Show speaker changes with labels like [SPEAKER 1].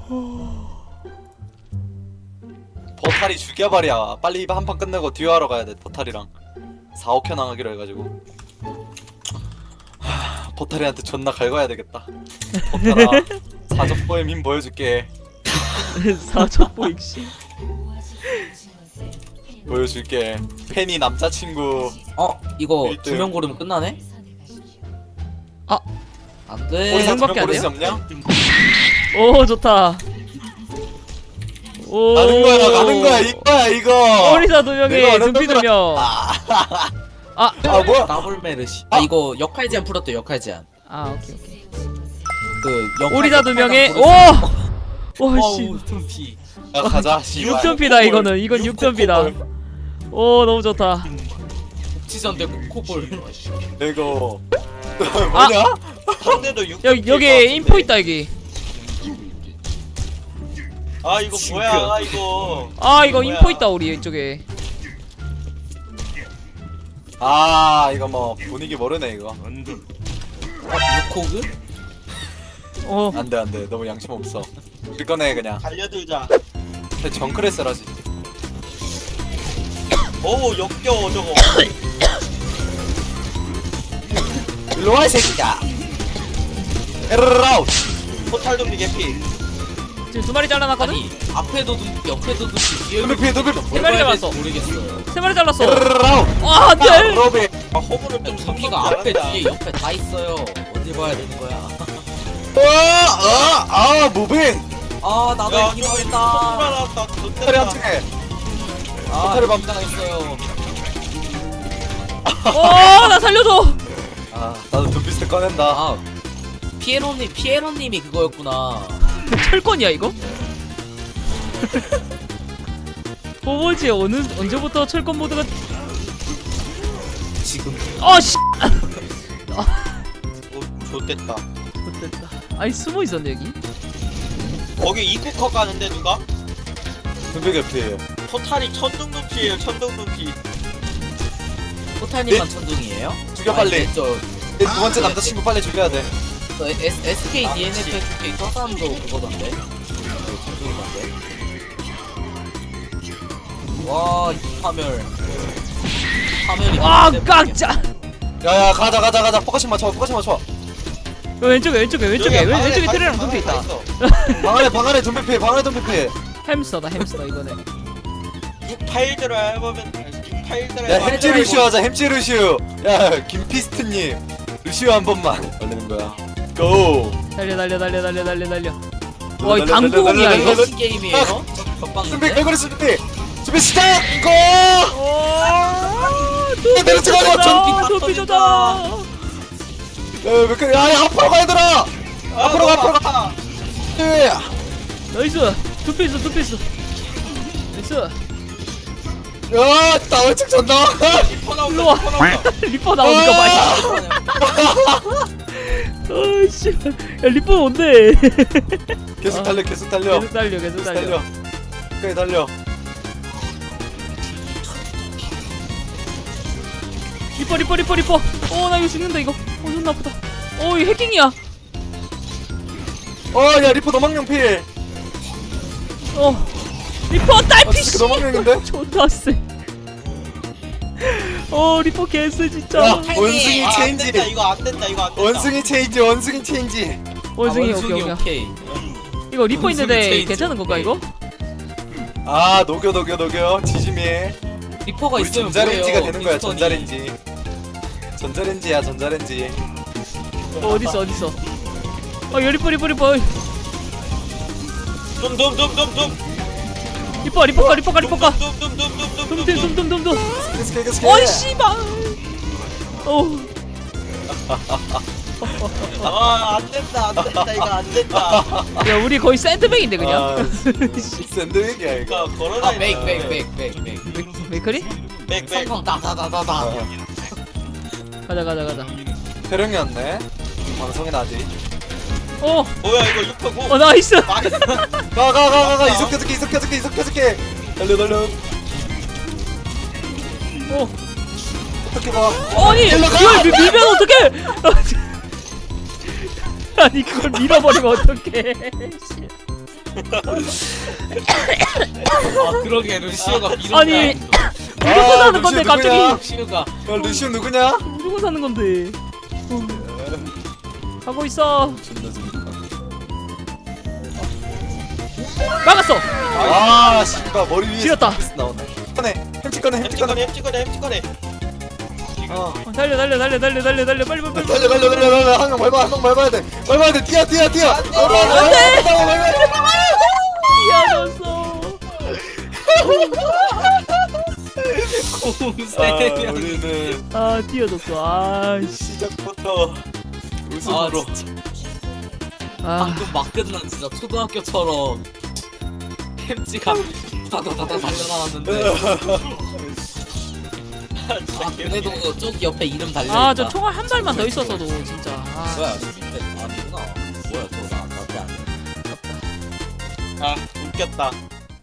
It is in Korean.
[SPEAKER 1] 버탈이 죽여버려. 빨리 한 판 끝내고 듀오 하러 가야 돼. 버탈이랑 4, 5켜 나가기로 해가지고. 버탈이한테 존나 갈궈야 되겠다. 버탈아, 사적보의 힘 보여줄게.
[SPEAKER 2] 사적보 익시.
[SPEAKER 1] 보여줄게. 팬이 남자친구.
[SPEAKER 3] 이거
[SPEAKER 1] 일등.
[SPEAKER 3] 두 명 고르면 끝나네?
[SPEAKER 2] 아.
[SPEAKER 3] 안돼.
[SPEAKER 1] 우리
[SPEAKER 2] 생각밖에
[SPEAKER 1] 사두명
[SPEAKER 2] 안
[SPEAKER 1] 고를 수
[SPEAKER 2] 돼요?
[SPEAKER 1] 없냐?
[SPEAKER 2] 오 좋다. 오.
[SPEAKER 1] 가는 거야, 가는 거야, 이거야, 이거.
[SPEAKER 2] 오리사 두
[SPEAKER 1] 내가
[SPEAKER 2] 명에
[SPEAKER 1] 어렵던
[SPEAKER 2] 눈피 두 명.
[SPEAKER 1] 아, 뭐야?
[SPEAKER 3] 더블 메르시. 이거 역할 제한 풀었대. 역할 제한.
[SPEAKER 2] 아 오케이 오케이.
[SPEAKER 3] 그 역할
[SPEAKER 2] 오리사 두 명에
[SPEAKER 3] 역할당 고를 수 있어.
[SPEAKER 2] 오씨.
[SPEAKER 3] 어우, tum피.
[SPEAKER 1] 야, 가자. 씨발.
[SPEAKER 2] 6점피다 이거는. 이건 6점피다. 오 너무 좋다.
[SPEAKER 3] 복지전 대 코볼.
[SPEAKER 1] 이거 뭐냐?
[SPEAKER 4] 상대도 6.
[SPEAKER 2] 여기 인포 있다 여기.
[SPEAKER 4] 아 이거 뭐야 이거.
[SPEAKER 2] 아 이거
[SPEAKER 4] 뭐야.
[SPEAKER 2] 인포 있다 우리 이쪽에.
[SPEAKER 1] 아, 이거 뭐 분위기 모르네 이거.
[SPEAKER 3] 유코그?
[SPEAKER 2] 어.
[SPEAKER 1] 안돼 안돼, 너무 양심 없어. 우리 꺼내 그냥.
[SPEAKER 4] 달려들자.
[SPEAKER 1] 정크레스라지.
[SPEAKER 4] 오 역겨워 저거.
[SPEAKER 1] 일로 와 이 새끼야. 에르라우.
[SPEAKER 4] 포탈 좀비 개피.
[SPEAKER 2] 지금 두 마리 잘라놨거든.
[SPEAKER 3] 아니 앞에도 둠피 옆에도 둠피 뒤에도
[SPEAKER 1] 눈피 눈피.
[SPEAKER 2] 세 마리 잡았어.
[SPEAKER 3] 모르겠어요.
[SPEAKER 2] 세 마리 잘랐어.
[SPEAKER 1] 에르라우.
[SPEAKER 2] 아 안돼.
[SPEAKER 1] 로비.
[SPEAKER 4] 아 호구를 좀
[SPEAKER 3] 둠피가 앞에 뒤에 옆에 다 있어요. 어디 봐야 되는 거야?
[SPEAKER 1] 무빙.
[SPEAKER 3] 아 나도
[SPEAKER 4] 야
[SPEAKER 3] 이기고
[SPEAKER 4] 호구가
[SPEAKER 3] 있다.
[SPEAKER 4] 나왔다.
[SPEAKER 1] 포탈이
[SPEAKER 4] 좋댔다.
[SPEAKER 1] 함께.
[SPEAKER 3] 아
[SPEAKER 1] 포탈을 밟-
[SPEAKER 3] 당했어요.
[SPEAKER 2] 어나 살려줘.
[SPEAKER 1] 아, 나도 눈피스트 꺼낸다.
[SPEAKER 3] 아 피에로님이 그거였구나.
[SPEAKER 2] 철권이야 이거? 뭐지 언제부터 철권 모드가?
[SPEAKER 3] 지금
[SPEAKER 2] 아씨.
[SPEAKER 4] 오 좋댔다.
[SPEAKER 2] 못됐다. 아니 숨어 있었네 여기.
[SPEAKER 4] 거기 입구컷 가는데 누가?
[SPEAKER 1] 눈피 개피.
[SPEAKER 4] 포탈이 천둥 눈피예요. 천둥 눈피.
[SPEAKER 3] 포탈님만 천둥이에요?
[SPEAKER 1] 죽여, 빨리.
[SPEAKER 3] 아니, 저
[SPEAKER 1] 두 번째 남자친구 빨리 죽여야 돼.
[SPEAKER 3] SK
[SPEAKER 4] 아,
[SPEAKER 3] DNF
[SPEAKER 4] 그치.
[SPEAKER 3] SK 저 사람도 그거던데. 천둥이던데. 와, 이 파멸이
[SPEAKER 2] 아
[SPEAKER 3] 때문에
[SPEAKER 2] 깜짝.
[SPEAKER 1] 야야, 가자. 포커싱 맞춰.
[SPEAKER 2] 왼쪽에 왼쪽에
[SPEAKER 4] 여기
[SPEAKER 2] 왼쪽에
[SPEAKER 4] 방안에
[SPEAKER 2] 트레랑
[SPEAKER 4] 다
[SPEAKER 2] 눈피
[SPEAKER 4] 있어,
[SPEAKER 2] 있다.
[SPEAKER 4] 다 있어.
[SPEAKER 1] 방안에 눈피.
[SPEAKER 2] 햄스터다 햄스터 이거네.
[SPEAKER 4] 6파일드로 해보면 6파일드로
[SPEAKER 1] 야,
[SPEAKER 4] 해보면
[SPEAKER 1] 햄찌 루시오 하자. 햄찌 루시오. 야, 김피스트님. 루시오 한 번만 걸리는 거야. 고.
[SPEAKER 2] 달려. 와 이
[SPEAKER 1] 달려,
[SPEAKER 2] 당구공이야
[SPEAKER 1] 달려,
[SPEAKER 2] 이거.
[SPEAKER 1] 달려.
[SPEAKER 3] 무슨 게임이에요?
[SPEAKER 1] 준비,
[SPEAKER 3] 겹방인데?
[SPEAKER 1] 개구리 준비 시작. 고. 내려 찍어.
[SPEAKER 2] 눈피 좋다.
[SPEAKER 1] 야, 앞으로 가 얘들아. 앞으로 가. 예.
[SPEAKER 2] 나이스. 두피 있어. 나이스.
[SPEAKER 1] 야, 나 얼척 전나.
[SPEAKER 4] 리퍼 나온다.
[SPEAKER 2] 일로 와.
[SPEAKER 4] 리퍼 나온다.
[SPEAKER 2] 리퍼 나오니까 많이. 어이씨. 야 리퍼 뭔데?
[SPEAKER 1] 계속 달려.
[SPEAKER 2] 계속 달려.
[SPEAKER 1] 끝까지 달려.
[SPEAKER 2] 리퍼. 나 이거 죽는다 이거. 존나 아프다. 이거 해킹이야.
[SPEAKER 1] 야, 리퍼 도망령 필.
[SPEAKER 2] 리퍼 딸피 씨.
[SPEAKER 1] 도망령인데?
[SPEAKER 2] 존나 세. 리퍼 개쎄 진짜.
[SPEAKER 1] 야, 원숭이
[SPEAKER 4] 안
[SPEAKER 1] 체인지.
[SPEAKER 4] 된다. 이거 안 된다.
[SPEAKER 1] 원숭이 체인지.
[SPEAKER 2] 원숭이
[SPEAKER 3] 원숭이
[SPEAKER 2] 오케이.
[SPEAKER 3] 오케이.
[SPEAKER 2] 이거 리퍼
[SPEAKER 3] 원숭이
[SPEAKER 2] 있는데
[SPEAKER 3] 체인지.
[SPEAKER 2] 괜찮은 건가 이거?
[SPEAKER 1] 아, 녹여. 지짐해.
[SPEAKER 3] 리퍼가
[SPEAKER 1] 우리
[SPEAKER 3] 있으면
[SPEAKER 1] 전자레인지가
[SPEAKER 3] 뭐예요?
[SPEAKER 1] 되는 거야.
[SPEAKER 3] 피스톤이.
[SPEAKER 1] 전자레인지.
[SPEAKER 2] 어딨어? 야 리퍼. 리퍼 가. 둠.
[SPEAKER 1] 계속.
[SPEAKER 2] 어이 씨발.
[SPEAKER 4] 안 된다. 이거 안 된다.
[SPEAKER 2] 야 우리 거의 샌드백인데 그냥.
[SPEAKER 1] 아, 샌드위치야 이거.
[SPEAKER 4] 이거 걸어다.
[SPEAKER 3] 아, 백.
[SPEAKER 2] 메이커리?
[SPEAKER 4] 백.
[SPEAKER 3] 성공 다다다다다.
[SPEAKER 2] 가자.
[SPEAKER 1] 태령이었네. 방송에 나지.
[SPEAKER 4] 뭐야 이거 6파고.
[SPEAKER 2] 나이스.
[SPEAKER 4] 나이스.
[SPEAKER 1] 가. 이속해줄게. 달려. 어떻게 봐.
[SPEAKER 2] 아니 이걸 밀면 어떡해? 아니 그걸 밀어버리면 어떡해?
[SPEAKER 3] 아 그러게 루시오가 미로.
[SPEAKER 2] 아니 무조건 사는 건데
[SPEAKER 1] 루시오
[SPEAKER 2] 갑자기
[SPEAKER 1] 누구냐?
[SPEAKER 3] 루시오가
[SPEAKER 1] 야 루시오 누구냐?
[SPEAKER 2] 무조건 사는 건데 가고 있어.
[SPEAKER 1] 존나 재밌다.
[SPEAKER 2] 막았어.
[SPEAKER 1] 아 씨발 머리 위에
[SPEAKER 2] 지렸다.
[SPEAKER 1] 나오네. 꺼내 햄찌 꺼내 햄찌 꺼내.
[SPEAKER 4] 햄찌 꺼내
[SPEAKER 1] 어.
[SPEAKER 2] 달려 빨리 빨리
[SPEAKER 1] 달려 한명 밟아 한명 밟아야 돼 밟아야 돼 뛰어
[SPEAKER 2] 안돼. 뛰어졌어.
[SPEAKER 3] 공세명.
[SPEAKER 1] 우리는
[SPEAKER 2] 아 뛰어졌어. 아씨.
[SPEAKER 1] 시작부터
[SPEAKER 3] 아
[SPEAKER 1] 웃음으로
[SPEAKER 3] 진짜
[SPEAKER 2] 아
[SPEAKER 3] 방금 막 끝난 진짜 초등학교처럼 햄찌가 다다다다 달려나왔는데. 아 그래도 저기 옆에 이름 달려있다.
[SPEAKER 2] 아 저 총알 한 발만 더 있었어도 진짜. 아,
[SPEAKER 3] 뭐야 저 밑에 아니구나. 뭐야 저나 나한테 안 돼.
[SPEAKER 4] 아 웃겼다